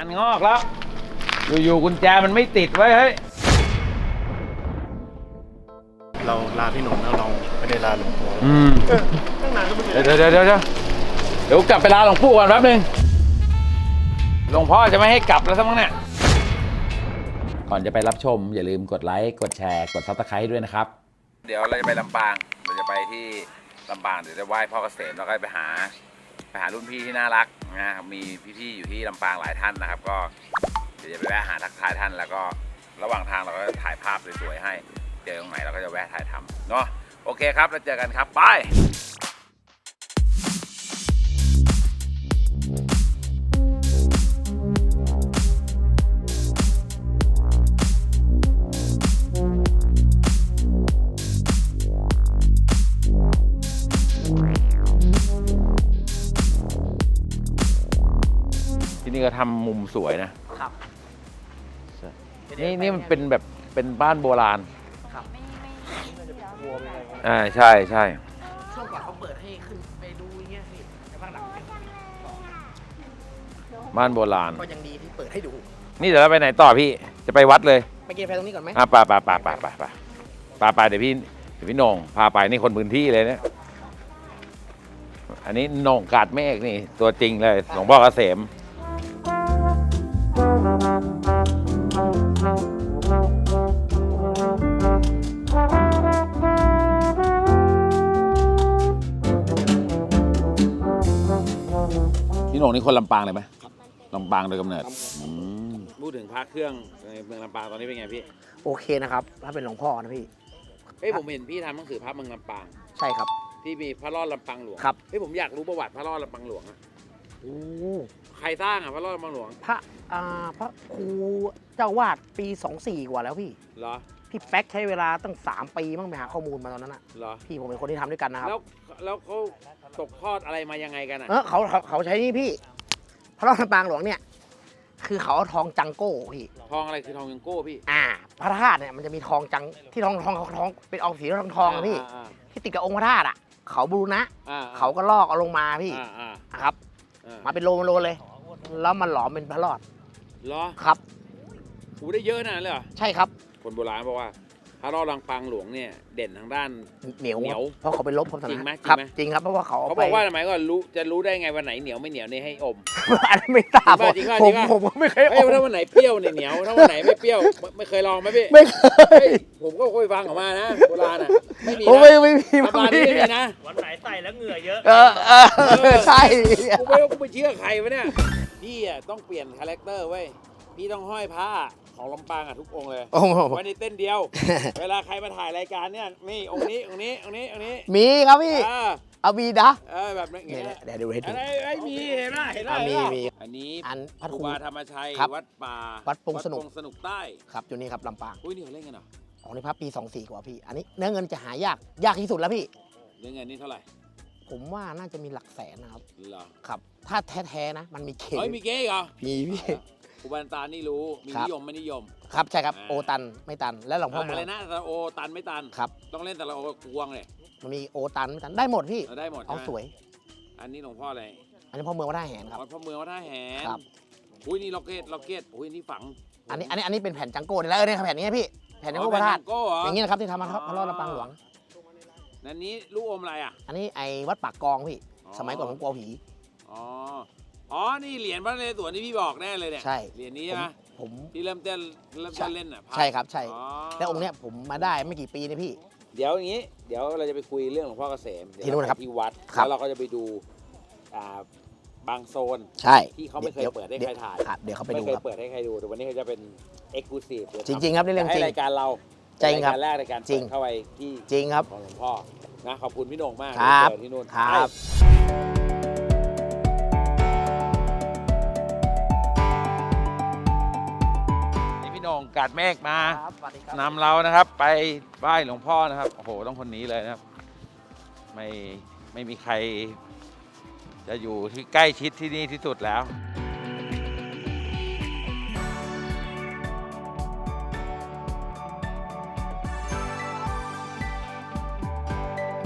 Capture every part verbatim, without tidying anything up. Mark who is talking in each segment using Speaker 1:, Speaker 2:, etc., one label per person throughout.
Speaker 1: านงอกแล้วอยู่ๆกุญแจมันไม่ติดไว้เฮ้ย
Speaker 2: เราลาพี่หนุ่มแล้วเราไม่ได้ลาหลวงปู่
Speaker 1: อืมตั้งนานก็ไม่เดี๋ยวเดี๋ยวเดี๋ยวเดี๋ยวเดี๋ยวกลับไปลาหลวงปู่ก่อนแป๊บนึงหลวงพ่อจะไม่ให้กลับแล้วสักมั้งเนี่ยก่อนจะไปรับชมอย่าลืมกดไลค์กดแชร์กดซับสไครต์ด้วยนะครับเดี๋ยวเราจะไปลำปางเราจะไปที่ลำปางเดี๋ยวจะไหว้พ่อเกษมแล้วก็ไปหาไปหารุ่นพี่ที่น่ารักนะครับมีพี่ๆอยู่ที่ลำปางหลายท่านนะครับก็เดี๋ยวจะไปแวะหาทักทายท่านแล้วก็ระหว่างทางเราก็ถ่ายภาพสวยๆให้เจอตรงไหนเราก็จะแวะถ่ายทำเนาะโอเคครับแล้วเจอกันครับบายที่นี่ก็ทำมุมสวยนะครับนี่นี่มันเป็นแบบเป็นบ้านโบราณครับอ่าใช่ใช่
Speaker 3: ช่วงก่อนเขาเปิดให้ขึ้นไปดูเงี้ยพี่แต่ภาคหลัง
Speaker 1: บ้านโบราณ
Speaker 3: ก็ยังดีที่เปิดให้ดู
Speaker 1: นี่เดี๋ยวเราไปไหนต่อพี่จะไปวัดเลย
Speaker 3: ไปกินกาแฟตรงนี้ก่อนไหม
Speaker 1: อ่ะไปไปไปไปไปไปไปไปเดี๋ยวพี่เดี๋ยวพี่โหน่งพาไปนี่คนพื้นที่เลยเนี่ยอันนี้โหน่งกาดเมฆนี่ตัวจริงเลยหลวงพ่อเกษมพี่โหน่งนี่คนลำปางเลยไหมลำปางโดยกำเนิดพูดถึงพระเครื่องในเมืองลำปางตอนนี้เป็นไงพี่
Speaker 3: โอเคนะครับถ้าเป็นหลวงพ่อนะพี่
Speaker 1: เฮ้ยผมเห็นพี่ทำหนังสือพระเมืองลำปาง
Speaker 3: ใช่ครับ
Speaker 1: ที่มีพระรอดลำปางหลวง
Speaker 3: ครับ
Speaker 1: เฮ้ยผมอยากรู้ประวัติพระรอดลำปางหลวงอะ
Speaker 3: โอ้
Speaker 1: ใครสร้างอ่ะพระรอดลำปางหลวง
Speaker 3: พระอ่าพระครูเจ้าวาดปีสองสี่กว่าแล้วพี่
Speaker 1: เหรอ
Speaker 3: พี่แป๊กใช้เวลาตั้งสามปีมั้งไปหาข้อมูลมาตอนนั้นอะ
Speaker 1: เหรอ
Speaker 3: พี่ผมเป็นคนที่ทำด้วยกันนะครับ
Speaker 1: แล้วแล้วเขาตกทอดอะไรมายังไงกันอ่ะ
Speaker 3: เออเขาเขาเขาใช้นี่พี่พระรอดลำปางหลวงเนี่ยคือเขาเอาทองจังโก้พี่
Speaker 1: ทองอะไรคือทองจังโก้พี่
Speaker 3: อ่าพระธาตุเนี่ยมันจะมีทองจังที่ทองทองทองเป็นออกสีทองทองอะพี่ที่ติดกับองค์พระธาตุอ่ะเขาบูรณะเขาก็ลอกเอาลงมาพี่ครับมาเป็นโลมาโลเลยแล้วมันหลอมเป็นพระรอด
Speaker 1: เหรอ
Speaker 3: ครับ
Speaker 1: หูได้เยอะนะเลยเหรอ
Speaker 3: ใช่ครับ
Speaker 1: คนโบราณบอกว่าพระรอดลำปางหลวงเนี่ยเด่นทางด้าน
Speaker 3: เหนียวเหนียวเพราะเขาไปลบความส
Speaker 1: จริงไหม
Speaker 3: ครับจริงครับเพราะว่าเขา
Speaker 1: เขาบอกว่าทำไมก็รู้จะรู้ได้ไงวันไหนเหนียวไม่เหนียวนี่ให้อม
Speaker 3: อันนี้ไม่ทราบ
Speaker 1: จริงป่ะ
Speaker 3: ผมผมก็ไม่เคยอม
Speaker 1: ถ้าวันไหนเปรี้ยวเนี่ยเหนียวถ้าวันไหนไม่เปรี้ยวไม่เคยลองไหมพี่
Speaker 3: ไม่เคย
Speaker 1: ผมก็เคยฟังออกมานะโบราณอ่ะไม่มี
Speaker 3: ไม่ไม่มี
Speaker 1: โบราณไม่มีนะ
Speaker 4: วันไหนใส่แล้วเหงื่อเยอะ
Speaker 3: เออเออใช่
Speaker 1: กูไม่กูไม่เชื่อใครวะเนี่ยพี่อ่ะต้องเปลี่ยนคาแรคเตอร์เว้ยพี่ต้องห้อยผ้าของลำปางอ่ะทุกองค์เลยไว้ในเต้นเดียวเวลาใครมาถ่ายรายการเนี่ยนี่องค์นี้องค์นี้องค์นี้องค์นี้
Speaker 3: มีครับพี่เอามีนะ
Speaker 1: เออแบบนี้
Speaker 3: เดี๋ยวดูให้ดู
Speaker 1: ไอ้มีเห็นไหมเห็นไหม
Speaker 3: มีมี
Speaker 1: อันนี้
Speaker 3: อันพัด
Speaker 1: ครูบาธรรมชัยวัดป่า
Speaker 3: วัดปงสนุก
Speaker 1: สนุกใต้
Speaker 3: ครับอยู่นี่ครับลำปาง
Speaker 1: อุ้ยนี่เขาเล่นกันเหรอ
Speaker 3: ของในพระปีสองสี่กว่าพี่อันนี้เนื้อเงินจะหายากยากที่สุดแล้วพี่
Speaker 1: เนื้อเงินนี่เท่าไหร่
Speaker 3: ผมว่าน่าจะมีหลักแสนนะครับ
Speaker 1: เหรอ
Speaker 3: ครับถ้าแท้ๆนะมันมีเก
Speaker 1: เฮ้ยมีเก๊เหรอ
Speaker 3: มีพี่
Speaker 1: ครูบาตานี่รู้มีนิยมไม่นิยม
Speaker 3: ครับใช่ครับโอตันไม่ตันและหลวงพ่อ
Speaker 1: อะไรนะแต่โอตันไม่ตัน
Speaker 3: ครับ
Speaker 1: ต้องเล่นแต่ละโอกวงเลย
Speaker 3: มันมีโอตันไม่ตันได้หมดพี่
Speaker 1: ได้หมด
Speaker 3: เอาสวย
Speaker 1: อันนี้หลวงพ่ออะไร
Speaker 3: อันนี้พ่อเมืองวัดท่าแหนครับ
Speaker 1: พ่อเมืองวัดท่าแหนครับอุ้ยนี่ล็อกเก็ตล็อกเก็ตอุ้ยนี่ฝัง
Speaker 3: อันนี้อันนี้อันนี้เป็นแผ่นจังโก้นี่แล้วเออเนี่ยแผ่นนี้พี่แผ่นจังโก้พระธาตุอย่างนี้นะครับที่ทำมาพระรอดลำปางหลวง
Speaker 1: นั่นนี้ลูกอมอะไรอ่ะ
Speaker 3: อันนี้ไอ้วัดปากกองพี่สมัยก่อนผมกลัวผี
Speaker 1: อ๋ออ๋อนี่เหรียญพระนเรศวรที่พี่บอกแน่เลยเนี่ย
Speaker 3: ใช่
Speaker 1: เหรียญนี้นะ
Speaker 3: ผม
Speaker 1: ที่เริ่มเต้นเริ่มเต้นเล่นอ่ะ
Speaker 3: ใช่ครับใช่แล้วองค์เนี้ยผมมาได้ไม่กี่ปีนี่พี่
Speaker 1: เดี๋ยวอย่างนี้เดี๋ยวเราจะไปคุยเรื่องหลวงพ่อเกษม
Speaker 3: ที่นู่นครับ
Speaker 1: ที่วัดแล้วเราก็จะไปดูบางโซน
Speaker 3: ใช่
Speaker 1: ที่เขาไม่เคยเปิดให้ใครถ่าย
Speaker 3: เดี๋ยวเขาไปดู
Speaker 1: ไม่เคยเปิดให้ใครดูแต่วันนี้เขาจะเป็นเอ็กซ์คลูซีฟ
Speaker 3: จริงๆครับในเรื่องจริง
Speaker 1: รายการเรา
Speaker 3: จริงครับ
Speaker 1: รายการแรกในการเปิดเข้าไปที่
Speaker 3: จริงครับ
Speaker 1: ของหลวงพ่อนะขอบคุณพี่โหน่งมาก
Speaker 3: ครับ
Speaker 1: ที่นู่น
Speaker 3: ครับ
Speaker 1: พี่โหน่งกาดเมฆมานำเรานะครับไปไหว้หลวงพ่อนะครับโอ้โหต้องคนนี้เลยนะครับไม่ไม่มีใครจะอยู่ที่ใกล้ชิดที่นี่ที่สุดแล้ว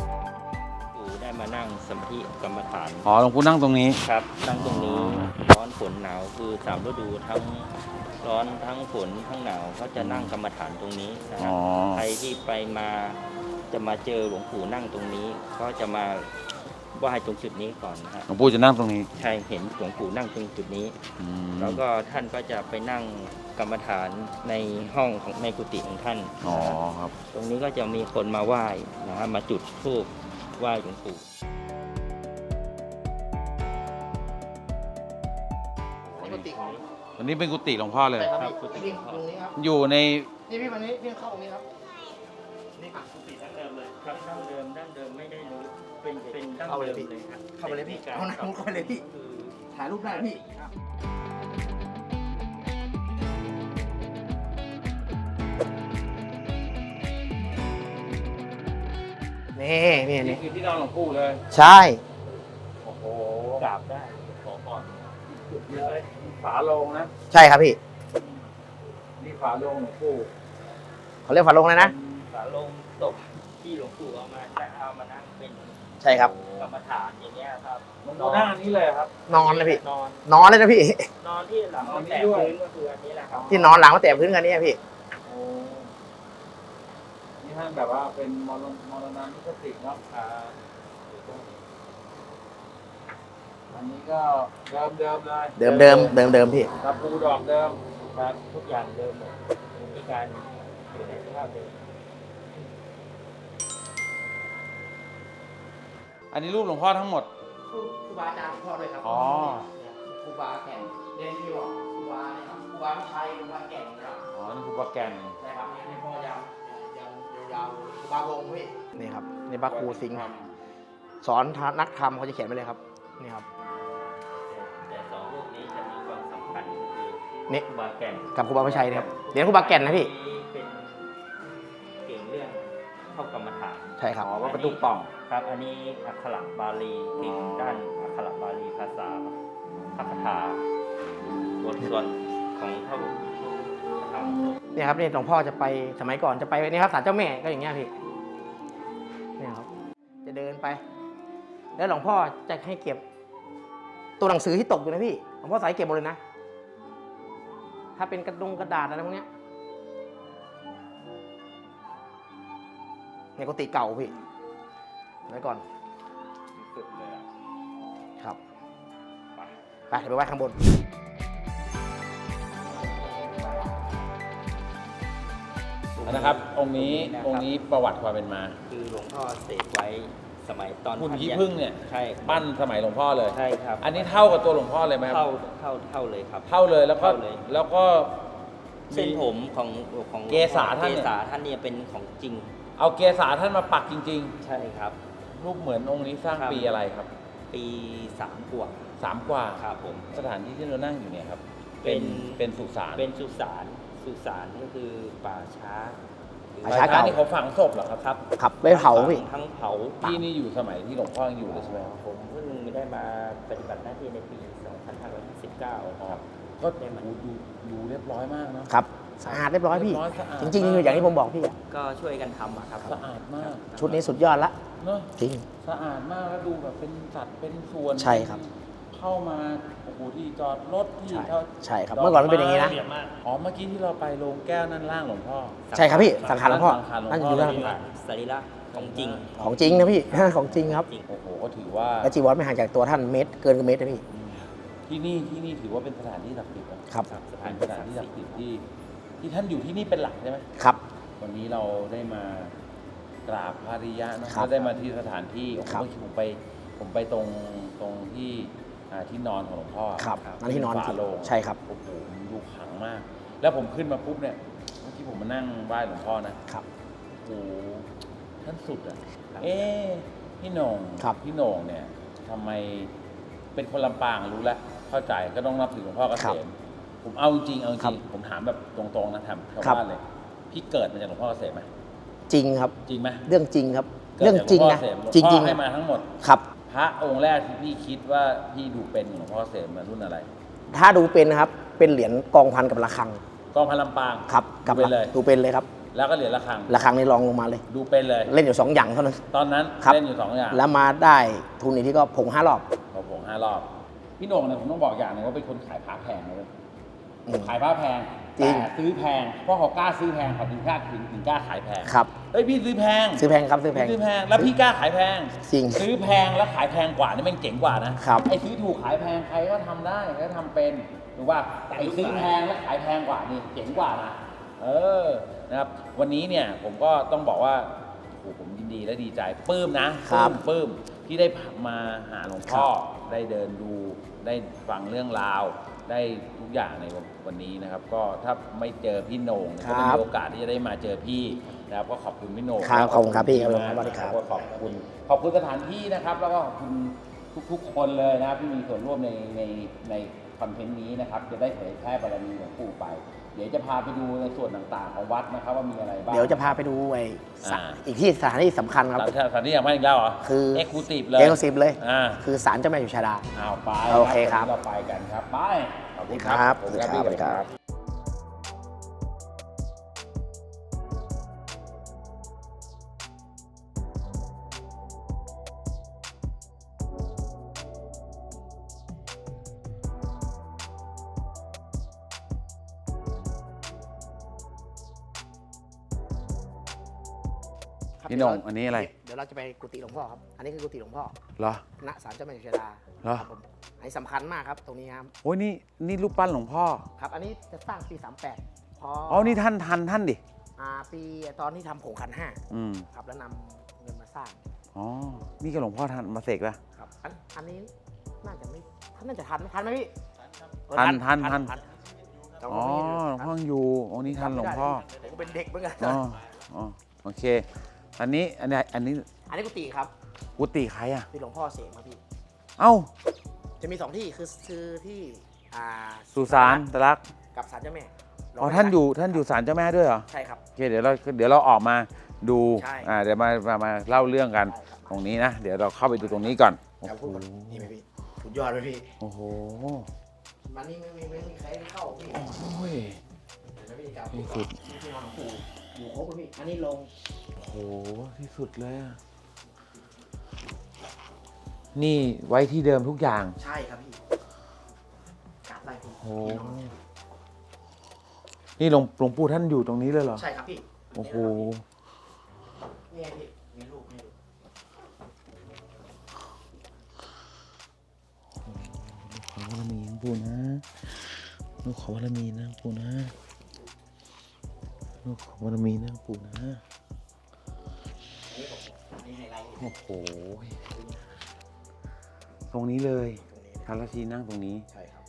Speaker 4: ได้มานั่งสมาธิกรรมฐาน
Speaker 1: อ๋อหลวงปู่นั่งตรงนี้
Speaker 4: ครับนั่งตรงนี้ร้อนฝนหนาวคือสามฤดูทั้งร้อนทั้งฝนทั้งหนาวเขาจะนั่งกรรมฐานตรงนี้นะค
Speaker 1: อ๋
Speaker 4: รั
Speaker 1: อบ
Speaker 4: ใครที่ไปมาจะมาเจอหลวงปู่นั่งตรงนี้ก็จะมาไหว้ตรงจุดนี้ก่อนนะฮะ
Speaker 1: หลวงปู่จะนั่งตรงนี้
Speaker 4: ใช่เห็นหลวงปู่นั่งตรงจุดนี้
Speaker 1: อืม
Speaker 4: แล้วก็ท่านก็จะไปนั่งกรรมฐานในห้องของในกุฏิของท่าน
Speaker 1: อ๋อ
Speaker 4: นะฮะ
Speaker 1: ครับ
Speaker 4: ตรงนี้ก็จะมีคนมาไหว้นะฮะมาจุดธูปไหว้หลวงปู่
Speaker 3: ปกติของ
Speaker 1: อันนี้เป็นกุฏิหลวงพ่อเลย
Speaker 3: ใช่ครับ
Speaker 4: ครับ
Speaker 3: พี่พี่ตรงนี้ครับ
Speaker 1: อยู่ใน
Speaker 3: นี่พี่วันนี้พี่เข้าตรงนี้ครับนี่ครับ
Speaker 4: กุฏิดั้งเดิมเลยครับดั้งเดิมดั้งเดิมไม่ได้รู้เป็นเป็นดั้ง
Speaker 3: เข้าไปเล
Speaker 4: เดิ
Speaker 3: ย
Speaker 4: ม
Speaker 3: พี่
Speaker 4: เลยครับ
Speaker 3: เข้าไปเลยพี่
Speaker 4: ป็น
Speaker 3: เอานะมุดเข้าไปเลยพี่
Speaker 4: คือ
Speaker 3: ถ่ายรูปได้พี่นี่นี่
Speaker 1: นี่
Speaker 3: นี่
Speaker 1: คือที่นอนหลวงปู่เลย
Speaker 3: ใช่
Speaker 1: โอ้โห
Speaker 4: กราบได้ขอก่อน
Speaker 1: จุดเยอะเลยฝาโลงนะ
Speaker 3: ใช่ครับพี่
Speaker 1: นี่ฝาโลงหลวงปู่
Speaker 3: เขาเรียกฝาโลงเลยนะ
Speaker 4: ฝาโลงตกที่หลวงปู่เอามาและเอามานั่งเป็น
Speaker 3: ใช่ครับ
Speaker 4: กรรมฐานอย่างเงี้ยครับ
Speaker 1: หลวงปู่นั่งอันนี้เลยครับ
Speaker 3: นอนเลยพี่
Speaker 4: นอน
Speaker 3: นอนเลยนะพี่
Speaker 4: นอนที่หลังมันแตะพื้นก็คืออันนี้แหละครับ
Speaker 3: ที่นอนหลังมาแตะพื้นกันนี่พี่
Speaker 1: โอ้นี่ท่านแบบว่าเป็นมรณมรณานุสติเนาะอ่าอันนี้ก็เดิมเดิมๆเลย
Speaker 3: เดิมเดิมเดิมเดิมพี่
Speaker 1: ตะปูดอกเดิม
Speaker 4: ครับทุกอย่างเดิมหมดมีการอยู่ในสภาพเดิม
Speaker 1: อันนี้รูปหลวงพ่อทั้งหมด
Speaker 3: ครูบาอาจารย์พ่อด้วยครับ
Speaker 1: อ๋อ
Speaker 3: ครูบาแก่นเรียนที่บอกครูบาเนี่ยครับครูบาไม่ใช่ครูบาแก่นนะครับ
Speaker 1: อ๋อ นี่คือปลาแกน
Speaker 3: ใช่ครับนี่พ่อยาวยาวยาวครูบาลงพี่นี่ครับนี่บาครูสิงห์สอนนักธรรมเขาจะเขียนไว้เลยครับนี่ครับ
Speaker 4: แต่สองรูปนี้จะมีความสำคัญก็คือ
Speaker 3: นี่
Speaker 4: ครูบาแก่น
Speaker 3: กับครูบาไม่ใช่นะครับเรียนครูบาแก่นนะพี่
Speaker 4: เป็นเก่งเรื่องเข้ากรรมฐาน
Speaker 3: ใช่ครับ
Speaker 1: อ๋อว่าประตูป่อง
Speaker 4: ครับ อันนี้อักขระบาลีเก่งด้านอักขระบาลีภาษาพระคาถาบทสวดของพระพุทธธรรม
Speaker 3: เนี่ยครับนี่หลวงพ่อจะไปสมัยก่อนจะไปนี่ครับศาลเจ้าแม่ก็อย่างเงี้ยพี่เนี่ยครับจะเดินไป แล้วหลวงพ่อจะให้เก็บตัวหนังสือที่ตกอยู่นะพี่หลวงพ่อใส่เก็บหมดเลยนะถ้าเป็นกระดงกระดาษอะไรพวกเนี้ยในกุฏิเก่าพี่ไว้ก่อน
Speaker 1: สุดเลยอะ
Speaker 3: ครับ
Speaker 1: ไป
Speaker 3: ไปเดี๋ยวไปไว้ข้างบน
Speaker 1: นะครับ องค์นี้ องค์นี้ประวัติความเป็นมา
Speaker 4: คือหลวงพ่อเสกไว้สมัยตอน
Speaker 1: หุ่น
Speaker 4: ท่า
Speaker 1: ขี้
Speaker 4: ยัง
Speaker 1: ผึ้งเนี่ย
Speaker 4: ใช่
Speaker 1: ปั้นสมัยหลวงพ่อเลย
Speaker 4: ใช่ครับ
Speaker 1: อันนี้เท่ากับตัวหลวงพ่อเลยไหมครับ
Speaker 4: เท่าเท่าเท่าเลยครับ
Speaker 1: เท่าเลยแล้วก็
Speaker 4: เท่าเลย
Speaker 1: แล้วก็
Speaker 4: เส้นผมของของ
Speaker 1: เกศาท่าน
Speaker 4: เก
Speaker 1: เนี่ย
Speaker 4: ศาท่านเนี่ยเป็นของจริง
Speaker 1: เอาเกศาท่านมาปักจริง
Speaker 4: ใช่ครับ
Speaker 1: ๆ รูปเหมือนองค์นี้สร้าง
Speaker 4: ครับ
Speaker 1: ปีอะไรครับ
Speaker 4: ปีสามกว่า
Speaker 1: สามกว่า
Speaker 4: ครับผม
Speaker 1: สถานที่ที่เรานั่งอยู่เนี่ยครับ
Speaker 4: เป็
Speaker 1: เป็น
Speaker 4: น
Speaker 1: เป็นสุสาน
Speaker 4: เป็นสุสานสุสานก็คือป่าช้า
Speaker 3: ป่าช้าเก่า
Speaker 1: นี่เขาฝังศพเหรอครับ
Speaker 4: ครับ
Speaker 3: ขับไว้เผาพี่
Speaker 4: ทั้งเผา
Speaker 1: ที่นี่อยู่สมัยที่หลวงพ่อยังอยู่เลยใช่ไหมครับ
Speaker 4: ผมเพิ่งได้มาปฏิบัติหน้าที่ในปี สองพันห้าร้อยห้าสิบเก้า ครับ
Speaker 1: ก็ดูดูดูเรียบร้อยมากเนอะ
Speaker 3: ครับสะอาดเรียบร้อยพี่
Speaker 1: เรียบร้อยสะอาด
Speaker 3: จริงๆคืออย่างที่ผมบอกพี่อะ
Speaker 4: ก็ช่วยกันทำอะครับ
Speaker 1: สะอาดมาก
Speaker 3: ชุดนี้สุดยอดละ
Speaker 1: เนอะ
Speaker 3: จริง
Speaker 1: สะอาดมากแล้วดูแบบเป็นสัดเป็นส่วน
Speaker 3: ใช่ครับ
Speaker 1: เข้ามาโอ้โหที่จอดรถที่
Speaker 3: ใช่
Speaker 1: เข้า
Speaker 3: ใช่ครับเมื่อก่อนมันเป็นอย่างนี้นะ
Speaker 1: อ๋อเมื่อกี้ที่เราไปโรงแก้วนั่นล่างหลวงพ่อ
Speaker 3: ใช่ครับพี่สังขารหลวงพ่อ
Speaker 1: สังขารหลวงพ่อ
Speaker 3: นั่นอยู่ด้าน
Speaker 4: สรีระของจริง
Speaker 3: ของจริงนะพี่ ของจริงครับ
Speaker 4: จริง
Speaker 1: โอ้โหก็ถือว่า
Speaker 3: และจีวรไม่ห่างจากตัวท่านเมตรเกินกว่าเมตรนะพี่
Speaker 1: ที่นี่ที่นี่ถือว่าเป็นสถานที่ศักดิ์สิทธิ์นะครับ
Speaker 4: ส
Speaker 1: เป็
Speaker 4: ถาน
Speaker 1: น
Speaker 4: ที่
Speaker 1: สถาน
Speaker 4: ศัก
Speaker 1: ที่
Speaker 4: ดิ์
Speaker 1: ศั
Speaker 4: สิ
Speaker 1: ก
Speaker 4: ท
Speaker 1: ดิ์
Speaker 4: ธิ์
Speaker 1: สิทธิ์ที่ที่ท่านอยู่ที่นี่เป็นหลักใช่ไหม
Speaker 3: ครับ
Speaker 1: วันนี้เราได้มากราบพระอริยะเนอะ
Speaker 3: ครับ
Speaker 1: ก็ได้มาที่สถานที่โอ้โห
Speaker 3: ครับ
Speaker 1: เมื่อกี้ผมไปผมไปตรงตรงที่อ่าที่นอนของหลวงพ่อ
Speaker 3: ครับนั่นที่นอน
Speaker 1: ฝาโลง
Speaker 3: ใช่ครับ
Speaker 1: โอ้โหมันดูขลังมาก แล้วผมขึ้นมาปุ๊บเนี่ยเมื่อกี้ผมมานั่งไหว้หลวงพ่อนะครับ โอ้โหท่านสุดอ่ะ
Speaker 4: ครับ
Speaker 1: เอ๊ะพี่โหน่ง
Speaker 3: ครับ
Speaker 1: พี่โหน่งเนี่ยทำไมเป็นคนลำปางรู้แล้วเข้าใจก็ต้องนับถือหลวงพ่อเก
Speaker 3: ครั
Speaker 1: ษ
Speaker 3: บ
Speaker 1: มผมเอาจริงเอาจ
Speaker 3: ครั
Speaker 1: ริ
Speaker 3: บ
Speaker 1: งผมถามแบบตรงๆนะทำชาว
Speaker 3: ครับ
Speaker 1: บ้านเลยพี่เกิดมาจากหลวงพ่อเกษมไหม
Speaker 3: จริงครับ
Speaker 1: จริงไหม
Speaker 3: เรื่องจริงครับ
Speaker 1: กิด
Speaker 3: เรื่องจริง
Speaker 1: จาก
Speaker 3: นะ
Speaker 1: หลวพ่อเกษม
Speaker 3: จริงจริง
Speaker 1: หลวพ่อให้มาทั้งหมด
Speaker 3: ครับ
Speaker 1: พระองค์แรกที่พี่คิดว่าพี่ดูเป็นของหลวงพ่อเกษมมารุ่นอะไร
Speaker 3: ถ้าดูเป็นนะครับ เป็นเหรียญกองพันกับระฆัง
Speaker 1: กองพันลำปาง
Speaker 3: ครับ
Speaker 1: ดูเป็นเลย
Speaker 3: ดูเป็นเลยครับ
Speaker 1: แล้วก็เหรียญระฆัง
Speaker 3: ระฆังนี่รองลงมาเลย
Speaker 1: ดูเป็นเลย
Speaker 3: เล่นอยู่สองอย่างเท่านั้น
Speaker 1: ตอนนั้น
Speaker 3: ครับ
Speaker 1: เล่นอยู่สองอย่าง
Speaker 3: แล้วมาได้ทุนนี้ที่ก็ผงห้ารอบ
Speaker 1: พอผมห้ารอบพี่โหน่งเนี่ยผมต้องบอกอย่างหนึงว่าเป็นคนขายผ้าแพงเลย
Speaker 3: อืม
Speaker 1: ขายผ้าแพง
Speaker 3: จริง
Speaker 1: แต่ซื้อแพงเพราะเขากล้าซื้อแพงเขาถึงกล้าถึงถึงกล้าขายแพง
Speaker 3: ครับ
Speaker 1: เฮ้ยพี่ซื้อแพง
Speaker 3: ซื้อแพงครับซื้อแพง
Speaker 1: พี่ซื้อแพงแล้วพี่กล้าขายแพง
Speaker 3: จริง
Speaker 1: ซื้อแพงแล้วขายแพงกว่านี่แมันเจ๋งกว่านะครับ ไอ้ซื้อถูกขายแพงใครก็ทำได้ใครก็ทำเป็นถูกป่ะแต่ไอ้ซื้อแพงแล้วขายแพงกว่านี่เจ๋งกว่านะเออนะครับวันนี้เนี่ยผมก็ต้องบอกว่าโอ้โหผมยินดีและดีใจปลื้มนะครับ ปลื้มที่ได้มาหาหลวงพ่อได้เดินดูได้ฟังเรื่องราว ได้ทุกอย่างในวันนี้นะครับ ก็ถ้าไม่เจอพี่โหน่งก็ไม่มีโอกาสที่จะได้มาเจอพี่นะครับก็ขอบคุณพี่โหน่ง
Speaker 3: ครับขอบคุณครับพี่ครับ
Speaker 1: นะ
Speaker 3: สวัสดีครับ
Speaker 1: ก็ขอบคุณขอบคุณสถานที่นะครับ แล้วก็ขอบคุณทุกๆคนเลยนะครับที่มีส่วนร่วมในในในคอนเทนต์นี้นะครับจะได้เผยแพร่บารมีหลวงปู่ไป เดี๋ยวจะพาไปดูในส่วนต่างๆของวัดนะครับว่ามีอะไรบ้าง
Speaker 3: เดี๋ยวจะพาไปดูไอ้สะ
Speaker 1: อ่า
Speaker 3: อีกที่สถานที่สำคัญครับ
Speaker 1: สถานที่อย่างไม่อีกแล้วเหรอ
Speaker 3: คือ
Speaker 1: เอ็กซ์คลูซีฟเลย
Speaker 3: เอ็กซ์คลูซีฟเลย
Speaker 1: อ่า
Speaker 3: คือศาลเจ้าแม่อยู่ชาดา
Speaker 1: เอาไป
Speaker 3: โอเคครับ
Speaker 1: วันนี้เราไปกันครับไปขอบคุณ
Speaker 3: ครับ
Speaker 1: ขอบคุณ
Speaker 3: ครับ
Speaker 1: พี่
Speaker 3: สวัสดีครับ
Speaker 1: พี่โหน่งอันนี้อะไร
Speaker 3: เดี๋ยวเราจะไปกุฏิหลวงพ่อครับ อันนี้คือกุฏิหลวงพ่อ
Speaker 1: เหรอ
Speaker 3: ณศาลเจ้าแม่อยู่ชาดา
Speaker 1: เหรอ
Speaker 3: ครับผมอันนี้สำคัญมากครับตรงนี้ครับ
Speaker 1: โอ้ยนี่นี่รูปปั้นหลวงพ่อ
Speaker 3: ครับ อันนี้จะสร้างปีสามแปดพอ
Speaker 1: อ๋อนี่ท่านทันท่านดิ
Speaker 3: อ่าปีตอนที่ทำผงขันห้า
Speaker 1: อืม
Speaker 3: ครับแล้วนำเงินมาสร้าง
Speaker 1: อ๋อนี่ก็หลวงพ่อทันมาเสกแล้ว
Speaker 3: ครับอันอันนี้น่าจะไม่ท่านน่าจะทันทันไหมพี่เออ
Speaker 1: ทันทันทัน
Speaker 3: แต่
Speaker 1: อ๋อ
Speaker 3: ว่าไม่
Speaker 1: หลวงพ่อยังอยู่อ๋อนี่ทันหลวงพ่อ
Speaker 3: ผมก็เป็นเด็กเหมือนกัน
Speaker 1: อ๋ออ๋อโอเค อันนี้อันนี้อันนี้
Speaker 3: อันนี้กุฏิครับ
Speaker 1: กุฏิใครอ่ะ
Speaker 3: ที่หลวงพ่อเสกมาพี่
Speaker 1: เอ้า
Speaker 3: จะมีสองที่คือคือที่อ่า
Speaker 1: สุสานตะลัก
Speaker 3: กับศาลเจ้าแม่
Speaker 1: อ๋อท่านอยู่ท่านอยู่ศาลเจ้าแม่ด้วยเหรอ
Speaker 3: ใช่ครับ
Speaker 1: โอเคเดี๋ยวเราเดี๋ยวเราออกมาดู
Speaker 3: ใช่
Speaker 1: อ่าเดี๋ยวมามามาเล่าเรื่องกันตรงนี้นะ เดี๋ยวเราเข้าไปดูตรงนี้ก่อนโอ้
Speaker 3: ครับ
Speaker 1: โห
Speaker 3: พูดก่อนนี่ไหมพี่สุดยอดเลยพี่
Speaker 1: โอ้โห
Speaker 3: มันนี่ไม่มีไม่มีใครได้เข้าพี่
Speaker 1: โอ้ย
Speaker 3: เห็นไหมพี่ครับ
Speaker 1: ที่สุด
Speaker 3: ที่ที่นอนของปู่อยู่ครบเลยพี่อันนี้ลง
Speaker 1: โอ้โหที่สุดเลยอะนี่ไว้ที่เดิมทุกอย่าง
Speaker 3: ใช่ครับพี่กราบไหว้พี่
Speaker 1: โอ้โหนี่หลวงหลวงปู่ท่านอยู่ตรงนี้เลยเหรอ
Speaker 3: ใช่ครับพี่
Speaker 1: โอ้โห
Speaker 3: นี่ไงพี่มีรูปให้ดู
Speaker 1: ขอวารมีหลวงปู่นะลูกขอวารมีนะหลวงปู่นะลูกขอวารมีนะหลวงปู่นะ
Speaker 3: อันนี้ผมอันนี้ไฮไลท์
Speaker 1: โอ้โหตรงนี้เลย
Speaker 3: ตรงนี้
Speaker 1: พระราชีนั่งตรงนี้
Speaker 3: ใช่ครับ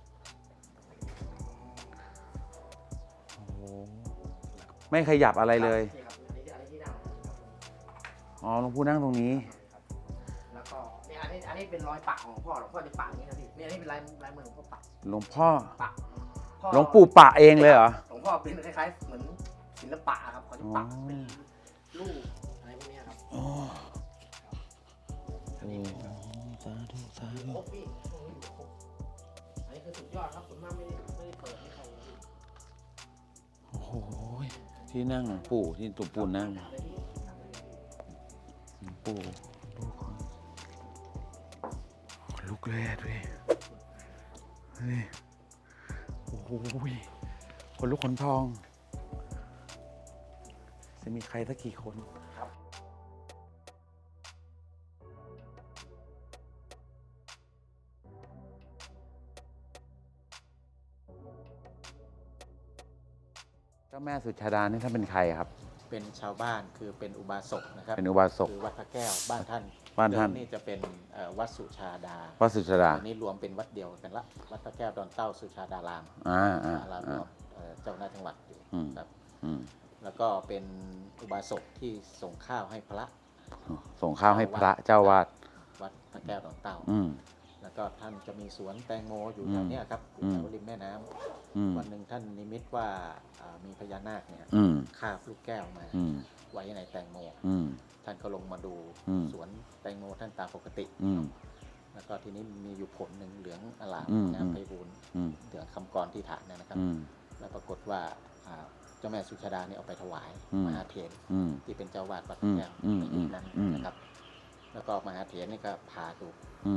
Speaker 1: โอ้โหไม่ขยับอะไรเลย
Speaker 3: นี่ครับอันนี้อันนี้ที่นั่งครับ
Speaker 1: อ๋อหลวงปู่นั่งตรงนี้
Speaker 3: แล้วก็เนี่ยอันนี้อันนี้เป็นรอยปะของหลวงพ่อหลวงพ่อจะปะอย่างนี้นะพี่เนี่ยอันนี้เป็นลายลายมือหลวงพ่อปะ
Speaker 1: หลวงพ่อ
Speaker 3: ปะพ่อ
Speaker 1: หลวงปู่ปะเองเลยเหรอ
Speaker 3: หลวงพ่อเป็นคล้ายๆเหมือนศิลปะครับเขาจะปะ
Speaker 1: อ๋อ
Speaker 3: เป็นรูปอะไรพวกเนี้ยครับ
Speaker 1: อ๋อ
Speaker 3: อันนี้
Speaker 1: สาธุสา
Speaker 3: อยู่
Speaker 1: ธุ
Speaker 3: ครบพี่ตรงนี้อยู่ครบอันนี้คือสุดยอดครับผมมากไม่ได้ไม่ได้เปิดให้ใครเลยพี่
Speaker 1: โอ้โหที่นั่งหลวงปู่ที่หลวงปู่นั่ง
Speaker 3: กราบเลยพี่กราบเลยพี่
Speaker 1: หลวงปู่ลูกของขนลุกเลยอะดูดินี่โอ้โหคนลุกขนพอง จะมีใครสักกี่คน เจ้าแม่สุชาดานี่ท่านเป็นใครครับ
Speaker 5: เป็นชาวบ้านคือเป็นอุบาสกนะครับ
Speaker 1: เป็นอุบาสก
Speaker 5: คือวัดพระแก้วบ้านท่าน
Speaker 1: บ้านท่าน
Speaker 5: เดิมนี่จะเป็นเอ่อวัดสุชาดา
Speaker 1: วัดสุชาดา
Speaker 5: อันนี้รวมเป็นวัดเดียวกันละวัดพระแก้วดอนเต้าสุชาดาราม
Speaker 1: อ่าอ่า
Speaker 5: อาราม
Speaker 1: อ่า
Speaker 5: เอ่อเจ้าหน้าจังหวัดอยู่
Speaker 1: อืม
Speaker 5: ครับ
Speaker 1: อืม
Speaker 5: แล้วก็เป็นอุบาสกที่ส่งข้าวให้พระ
Speaker 1: ส่งข้าวให้พระเจ้าวาด
Speaker 5: วัดพระแก้วดอนเต้า
Speaker 1: อืม
Speaker 5: แล้วก็ท่านจะมีสวนแตงโมอยู่
Speaker 1: อืม
Speaker 5: แถวเนี้ยครับอยู่
Speaker 1: อืม
Speaker 5: แถวริมแม่น้ำ
Speaker 1: อืม
Speaker 5: วันหนึ่งท่านนิมิตว่าอ่ามีพญานาคเนี่ย
Speaker 1: อืม
Speaker 5: คาบลูกแก้วมา
Speaker 1: อืม
Speaker 5: ไว้ในแตงโม
Speaker 1: อืม
Speaker 5: ท่านก็ลงมาดู
Speaker 1: อืม
Speaker 5: สวนแตงโมท่านตามปกติ
Speaker 1: อืม
Speaker 5: แล้วก็ทีนี้มีอยู่ผลหนึ่งเหลืองอลาม
Speaker 1: อืม
Speaker 5: งามไพบูลย์
Speaker 1: อืม
Speaker 5: เหลืองคำกรที่ฐานเนยนะครับ
Speaker 1: อืม
Speaker 5: แล้วปรากฏว่าอ่าเจ้าแม่สุชาดาเนี่ยเอาไปถวาย
Speaker 1: อืม
Speaker 5: มหาเถร
Speaker 1: อืม
Speaker 5: ที่เป็นเจ้าวาดวัดพ
Speaker 1: อื
Speaker 5: ระ
Speaker 1: ม
Speaker 5: แก้ว
Speaker 1: อืม
Speaker 5: ในยุคนั้น
Speaker 1: อืม
Speaker 5: นะครับ แล้วก็มหาเถรนี่ก็พาดู
Speaker 1: อืม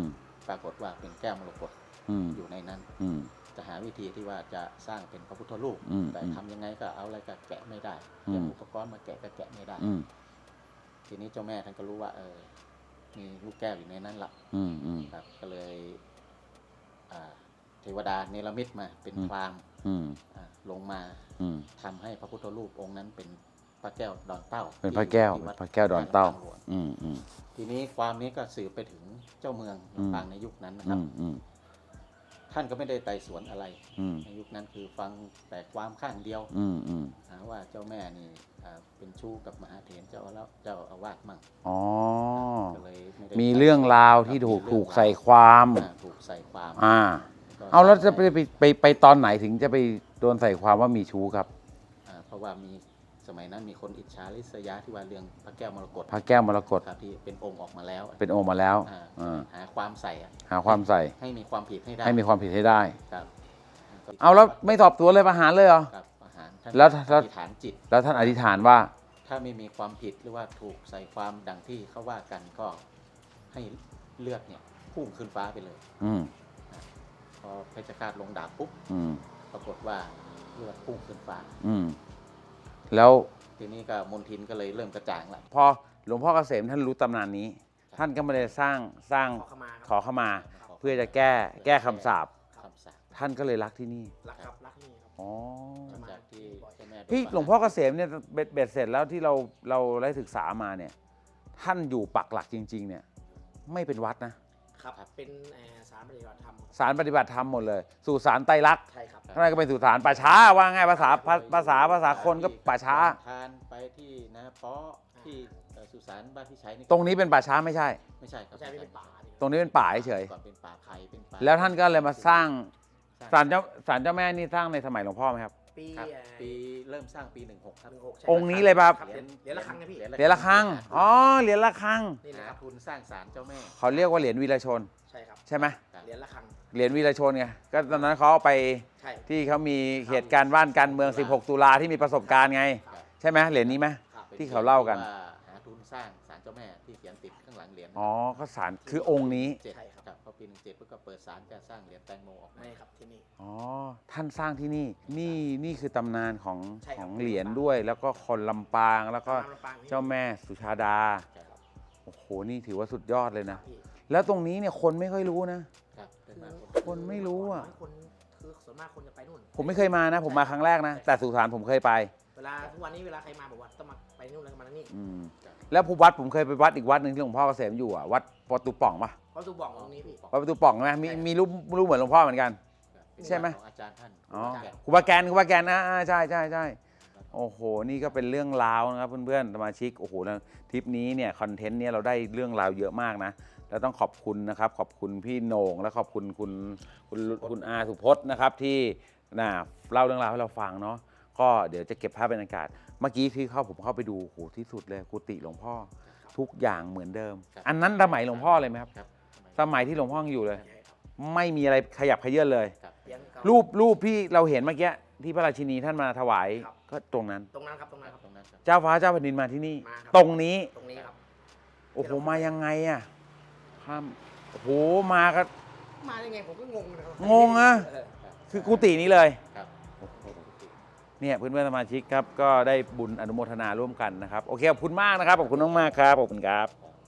Speaker 5: ปรากฏว่าเป็นแก้วมรกต
Speaker 1: อืม
Speaker 5: อยู่ในนั้น
Speaker 1: อืม
Speaker 5: จะหาวิธีที่ว่าจะสร้างเป็นพระพุทธรูป
Speaker 1: อืม
Speaker 5: แต่
Speaker 1: อืม
Speaker 5: ทำยังไงก็เอาอะไรก็แกะไม่ได้
Speaker 1: อืม
Speaker 5: เตรียมอุปกรณ์มาแกะก็แกะไม่ได้
Speaker 1: อืม
Speaker 5: ทีนี้เจ้าแม่ท่านก็รู้ว่าเออมีลูกแก้วอยู่ในนั้นละ
Speaker 1: อืมอืม
Speaker 5: ครับก็เลยอ่าเทวดาเนรมิตมาเป็น
Speaker 1: อืม
Speaker 5: พราหมณ์
Speaker 1: อืม
Speaker 5: อ่าลงมา
Speaker 1: อืม
Speaker 5: ทำให้พระพุทธรูปองค์นั้นเป็นพระแก้วดอนเต้า
Speaker 1: เป็นพระแก้ว
Speaker 5: ที่
Speaker 1: เป็น
Speaker 5: วัด
Speaker 1: พระแก้วดอนเต้า
Speaker 5: ลำปงหลวง
Speaker 1: อืมอืม
Speaker 5: ทีนี้ความนี้ก็สืบไปถึงเจ้าเมือง
Speaker 1: อืม
Speaker 5: ลำปางในยุคนั้นนะค
Speaker 1: อื
Speaker 5: รับ
Speaker 1: มอืม
Speaker 5: ท่านก็ไม่ได้ไต่สวนอะไร
Speaker 1: อืม
Speaker 5: ในยุคนั้นคือฟังแต่ความข้างเดียว
Speaker 1: อืมอืม
Speaker 5: หาว่าเจ้าแม่นี่อ่าเป็นชู้กับมหาเถรเจ้าแล้วเจ้าอาวาสมั่ง
Speaker 1: อ๋อ
Speaker 5: ก็เลยไได้
Speaker 1: มีเรื่องราวที่ถูก
Speaker 5: มี
Speaker 1: ถู
Speaker 5: เรื่
Speaker 1: ก
Speaker 5: อง
Speaker 1: ใส่ความ
Speaker 5: อ่าถูกใส่ความ
Speaker 1: อ่า
Speaker 5: ก็
Speaker 1: เอาแล้วจะไปไปไปไปตอนไหนถึงจะไปโดนใส่ความว่ามีชู้ครับ
Speaker 5: อ่าเพราะว่ามีสมัยนั้นมีคนอิจฉาริษยาที่ว่าเรื่องพระแก้วมรกต
Speaker 1: พระแก้วมรกต
Speaker 5: ครับที่เป็นองค์ออกมาแล้ว
Speaker 1: เป็นองค์มาแล้ว
Speaker 5: อ่า
Speaker 1: อ่า
Speaker 5: หาความใส่อะ
Speaker 1: หาความใส่
Speaker 5: ให้มีความผิดให้ได้
Speaker 1: ให้มีความผิดให้ได้
Speaker 5: ครับ
Speaker 1: เอาแล้วไม่สอบสวนเลยประหารเลยเหรอ
Speaker 5: ครับอาหารท่าน
Speaker 1: แล้วแล้ว
Speaker 5: อธิษฐานจิต
Speaker 1: แล้วท่านอธิษฐานว่า
Speaker 5: ถ้าไม่มีความผิดหรือว่าถูกใส่ความดังที่เขาว่ากันก็ให้เลือดเนี่ยพุ่งขึ้นฟ้าไปเลย
Speaker 1: อืม
Speaker 5: พอเพชฌฆาตลงดาบปุ๊บ
Speaker 1: อืม
Speaker 5: ปรากฏว่าเลือดพุ่งขึ้นฟ้า
Speaker 1: อืม แล้ว
Speaker 5: ทีนี้ก็มนทินก็เลยเริ่มกระจ่างละ
Speaker 1: พอหลวงพ่อเกษมท่านรู้ตำนานนี้ ท่านก็ไม่ได้สร้างสร้าง
Speaker 3: ขอเข้ามา
Speaker 1: ขอเข้ามา เพื่อจะแก้แก้คำสาป
Speaker 5: คำสาป
Speaker 1: ท่านก็เลยรักที่นี่
Speaker 3: รักครับรักนี่ครับ
Speaker 1: อ๋อ
Speaker 5: จากที่เจ้าแม่โดน
Speaker 1: พี่
Speaker 5: ประาร
Speaker 1: หลวงพ่อเกษมเนี่ยเบ็ดเบ็ดเสร็จแล้วที่เราเราได้ศึกษามาเนี่ย ท่านอยู่ปักหลักจริง ๆ เนี่ย ไม่เป็นวัดนะ
Speaker 3: ครับเป็นเอ่อสารปฏิบัติธรรม
Speaker 1: สารปฏิบัติธรรมหมดเลย สู่สารไตรลักษณ์
Speaker 3: ใช่ครับ
Speaker 1: ท่านก็เป็นสู่สารป่าช้าว่าง่ายภาษาภาภาษาภาษาคนก็ป่าช้า
Speaker 5: ทานไปที่นะเพาะที่เอ่อสุสานบ้านพี่ชัยนี่
Speaker 1: ตรงนี้เป็นป่าช้าไม่ใช่
Speaker 5: ไม่ใช่ครับ
Speaker 3: ไม่ใช่ไม่เป็นป่าดิ
Speaker 1: ตรงนี้เป็นป่าเฉย
Speaker 5: ก่อนเป็นป่าไผ่เป็นป่า
Speaker 1: แล้วท่านก็เลยมาสร้างศาล
Speaker 5: สร้
Speaker 1: เจ้าศาลเจ้าแม่นี่สร้างในสมัยหลวงพ่อไหมครับ
Speaker 3: ปี
Speaker 5: ครับ
Speaker 3: เอ่อ
Speaker 5: ปีเริ่มสร้างปีหนึ่งหกครับ
Speaker 3: หนึ่งหกใช่
Speaker 1: องค์นี้เลยป่ะ
Speaker 3: ครับเหรียญเหรียญละครั้งนะพี่
Speaker 1: เหรียญละครังอ๋อเหรียญละครัง
Speaker 3: นี่นะ
Speaker 5: หา
Speaker 3: ครับ
Speaker 5: ทุนสร้างศาลเจ้าแม่
Speaker 1: เขาเรียกว่าเหรียญวีรชน
Speaker 3: ใช่ครับ
Speaker 1: ใช่ไหม
Speaker 3: เหรียญละครั้ง
Speaker 1: เหรียญวีรชนไงก็ตอนนั้นเขาเอาไป
Speaker 3: ใช่
Speaker 1: ที่เขามีเหตุการณ์บ้านการเมือง สิบหก ตุลาที่มีประสบการณ์ไง
Speaker 3: ครับ
Speaker 1: ใช่ไหมเหรียญนี้ไหม
Speaker 3: ครับ
Speaker 1: ที่เขาเล่ากัน
Speaker 5: ว่หาทุนสร้างศาลเจ้าแม่ที่เขียนติดข้างหลังเหรียญ
Speaker 1: อ๋อก็ศาลคือองค์นี้
Speaker 5: เจ็ด
Speaker 3: ใช่ครับ
Speaker 5: ครับพอปีหนึ่งเจ็ดก็เปิดศาลจะสร้างเหรียญแตงโมออกมา
Speaker 3: ไม่ครับที่นี่
Speaker 1: อ๋อท่านสร้างที่นี่นี่นี่คือตำนานของ
Speaker 3: ใช่ครับ
Speaker 1: ของเหรียญด้วย แล้วก็คนลำปางแล้วก็
Speaker 3: ลำปางนี่
Speaker 1: เจ้าแม่สุชาดา
Speaker 5: ใช่ครับ
Speaker 1: โอ้โหนี่ถือว่าสุดยอดเลยนะ
Speaker 3: พี่
Speaker 1: แล้วตรงนี้เนี่ยคนไม่ค่อยรู้นะ
Speaker 5: ครับเป็นมา
Speaker 1: คนไม่รู้อะ
Speaker 3: คนคือส่วนมากคนจะไปนู่น
Speaker 1: ผมไม่เคยมานะ ผมมาครั้งแรกนะ แต่สุสานผมเคยไป
Speaker 3: เวลาทุกวันนี้เวลาใครมาบอกว่าต้องมาไปนู่นแล้วก็มานี่
Speaker 1: อืมแล้วผู้วัดผมเคยไปวัดอีกวัดหนึ่งที่หลวงพ่อเกษมอยู่อ่ะวัดประตูป่องปะ
Speaker 3: เพราะตูบอกตรงนี้พี่
Speaker 1: วัดประตูป่องใช่ไหมมีมีรูปรูปเหมือนหลวงพ่อเหมือนกัน ใช่ไหม
Speaker 5: ของอาจารย์ท่าน
Speaker 1: อ๋อ
Speaker 5: อาจารย์
Speaker 1: ครูบาแกนครูบาแกนนะอ่าใช่ใช่ใช่โอ้โหนี่ก็เป็นเรื่องราวนะครับเพื่อนๆสมาชิกโอ้โหแล้วทริปนี้เนี่ยคอนเทนต์เนี้ยเราได้เรื่องราวเยอะมากนะแล้วต้องขอบคุณนะครับขอบคุณพี่โหน่งและขอบคุณคุณคุณคุณอาสุพจน์นะครับที่น่ะเล่าเรื่องราวให้เราฟังเนาะก็เดี๋ยวจะเก็บภาพบรรยากาศเมื่อกี้ที่เข้าผมเข้าไปดูโหที่สุดเลยกุฏิหลวงพ่อทุกอย่างเหมือนเดิม อันนั้นสมัยหลวงพ่อเลยไหมครับ
Speaker 5: ครับ
Speaker 1: สมัยที่หลวงพ่อยังอยู่เลย ไม่มีอะไรขยับเขยื้อนเลย
Speaker 5: ครับ
Speaker 3: เลี้ยงเขา
Speaker 1: รูปรูปที่เราเห็นเมื่อกี้ที่พระราชินีท่านมาถวาย
Speaker 3: ครับ
Speaker 1: ก็ตรงนั้น
Speaker 3: ตรงนั้นครับตรงนั้นครับ
Speaker 5: ตรงนั้นครับ
Speaker 1: เจ้าฟ้าเจ้าแผ่นดินมาที่นี่
Speaker 3: มาครับ
Speaker 1: ตรงนี้
Speaker 3: ตรงนี้ครับ
Speaker 1: โอ้โหมายังไงอ่ะข้ามโอ้โหมาก็
Speaker 3: มาได้ไงผมก็งงนะครับ
Speaker 1: งงอะ
Speaker 3: เ
Speaker 1: คือกุฏินี้เลย
Speaker 5: ครับ
Speaker 1: เนี่ยเพื่อนๆสมาชิกครับก็ได้บุญอนุโมทนาร่วมกันนะครับโอเคขอบคุณมากนะครับขอบคุณมากๆครับขอบคุณครับ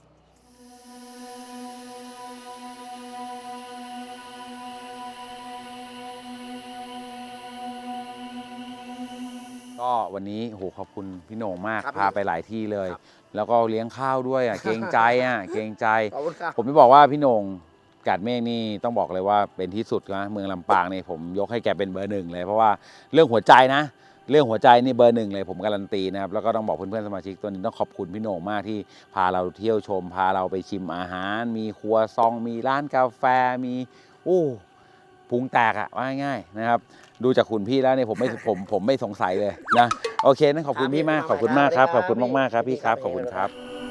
Speaker 1: ก็วันนี้โอ้โหขอบคุณพี่โหน่งมาก
Speaker 3: ครับ
Speaker 1: พาไปหลายที่เลย
Speaker 3: ครับ
Speaker 1: แล้วก็เลี้ยงข้าวด้วยอ่ะเกรงใจอ่ะเกรงใจ
Speaker 3: ขอบคุณครับ
Speaker 1: ผมจะบอกว่าพี่โหน่งกาดเมฆนี่ต้องบอกเลยว่าเป็นที่สุดนะเมืองลำปางนี่ผมยกให้แกเป็นเบอร์หนึ่งเลยเพราะว่าเรื่องหัวใจนะ เรื่องหัวใจนี่เบอร์หนึ่งเลยผมการันตีนะครับแล้วก็ต้องบอกเพื่อนๆสมาชิกตัวนี้ต้องขอบคุณพี่โหน่งมากที่พาเราเที่ยวชม พาเราไปชิมอาหาร มีครัวซอง มีร้านกาแฟมีอู้พุงแตกอะว่าง่ายๆนะครับดูจากคุณพี่แล้วเนี่ยผมไม่ผมผมไม่สงสัยเลยนะโอเคนั้นขอบคุณพี่มากขอบคุณมากครับขอบคุณมากๆครับพี่ครับขอบคุณครับ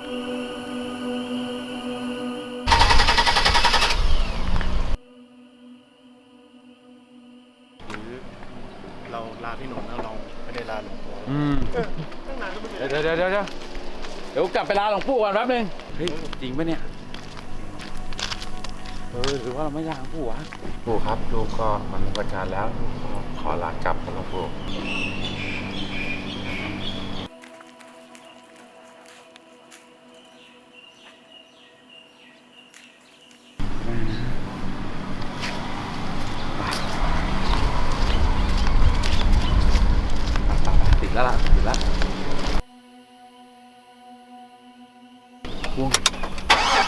Speaker 2: หรือเราลาพี่หนุ่มแล้วเราไม่ได้ลาหลวงปู่
Speaker 1: อืม
Speaker 2: ตั้งนานก็ไม่
Speaker 1: เดี๋ยวเดี๋ยวเดี๋ยวเดี๋ยวเดี๋ยวกลับไปลาหลวงปู่ก่อนแป๊บนึงเฮ้ยจริงปะเนี่ยเออหรือว่าเราไม่ล้างปู่วะ
Speaker 2: ปู่ครับลูกก็มันประการแล้วลูกขอขอลากลับครับหลวงปู่
Speaker 1: ติดแล้วล่ะติดแล้ววง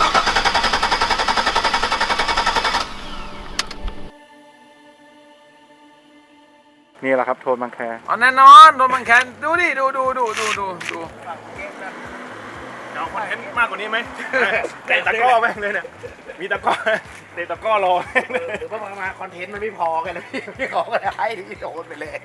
Speaker 2: นี่แหละครับโทนบางแค
Speaker 1: อ๋อแน่นอนโดนบังแคนดูดิดูดูดูดูดูดู
Speaker 2: จะเอาคอนเทนต์มากกว่านี้ไหมเตะตะก้อแม่งเลยเนี่ยมีตะก้อเตะตะก้อรอแม่งเลย
Speaker 3: หรือว่ามามาคอนเทนต์มันไม่พอกันเลยพี่พี่ขอก็ให้พี่โดนไปเลย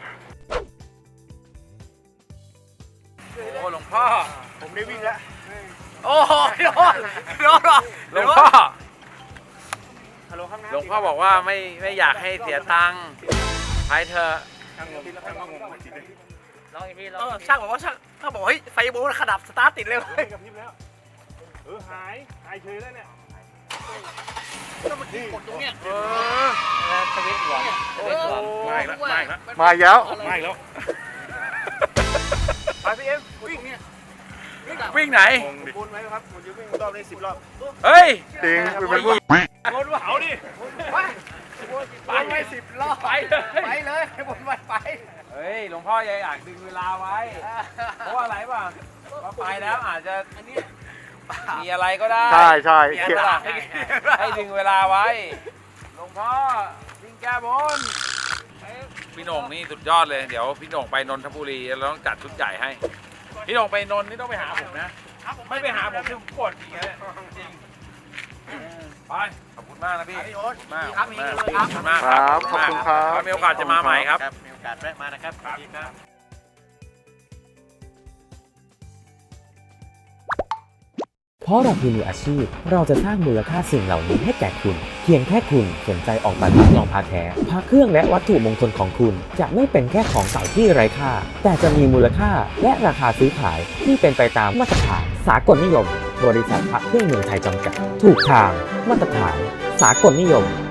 Speaker 1: โอ้หลวงพ่อ
Speaker 2: ผมได้วิ่งแล้ว
Speaker 3: โอ้โหโดนโดน
Speaker 1: หลวงพ่อ
Speaker 2: ฮัลโหลข้างหน้า
Speaker 1: หลวงพ่อบอกว่าไม่ไม่อยากให้เสียตังค์ไปเถอะ
Speaker 2: ช่างงงช่างงงติดเลย
Speaker 4: ลองอีกทีลอง
Speaker 3: เออ
Speaker 4: อีกที
Speaker 3: ช่างบอกว่าช่างถ้าบอกเฮ้ยไฟโบนขดับสตาร์ทติดเลย
Speaker 2: เฮ้ยกับพริบแล้ว เออหายหายเฉยแล้วเนี่ย
Speaker 3: นี่กดตรงเนี้ย
Speaker 1: เออ
Speaker 4: แล้วสวิตช์หวานสวิตช์หวาน
Speaker 2: มาอีกแล้วมาอีกแล้ว
Speaker 3: มาแล้ว
Speaker 2: มาอีกแล้วไปพี่เอ็มวิ่งเนี่ย
Speaker 1: วิ่งไหน
Speaker 2: งงดิวนไหมครับผมจะวิ่งรอบได้สิบรอบ
Speaker 1: เฮ้ย
Speaker 2: จริงเป็นพวกวนว่าเอาดิ
Speaker 3: ไปวนไปสิบรอบ
Speaker 1: ไปเลย
Speaker 3: ไปเลยวนไปไป
Speaker 1: เฮ้ยหลวงพ่อยังอยากดึงเวลาไว้ เพราะว่าอะไรป่ะว่าไปแล้วอาจจะมีอะไรก็ได้
Speaker 2: ใช่ใช่
Speaker 1: เขียนล่ะให้ดึงเวลาไว้หลวงพ่อวิ่งแก้บนพี่โหน่งนี่สุดยอดเลยเดี๋ยวพี่โหน่งไปนนทบุรีเราต้องจัดชุดใหญ่ให้พี่โหน่งไปนนท์นี่ต้องไปหาผมนะไม่ไปหาผมคือผมโกรธจริงเลยจริงไปขอบคุณมากนะพี่มาก
Speaker 3: ครับมีกันเลยครับ
Speaker 1: ขอบคุณมาก
Speaker 2: ครับขอบคุณครับ
Speaker 1: ถ้ามีโอกาสจะมาใหม่ครับ
Speaker 4: มีโอกาสแวะมานะครับสวัสดีครับ
Speaker 6: เพราะเราคือมืออาชีพ เราจะสร้างมูลค่าสิ่งเหล่านี้ให้แก่คุณ เพียงแค่คุณสนใจออกแบบลองพาแท้พาเครื่องและวัตถุมงคลของคุณ จะไม่เป็นแค่ของเก่าที่ไร้ค่า แต่จะมีมูลค่าและราคาซื้อขายที่เป็นไปตามมาตรฐานสากลนิยม บริษัทพระเครื่องเมืองไทยจำกัด ถูกทาง มาตรฐาน สากลนิยม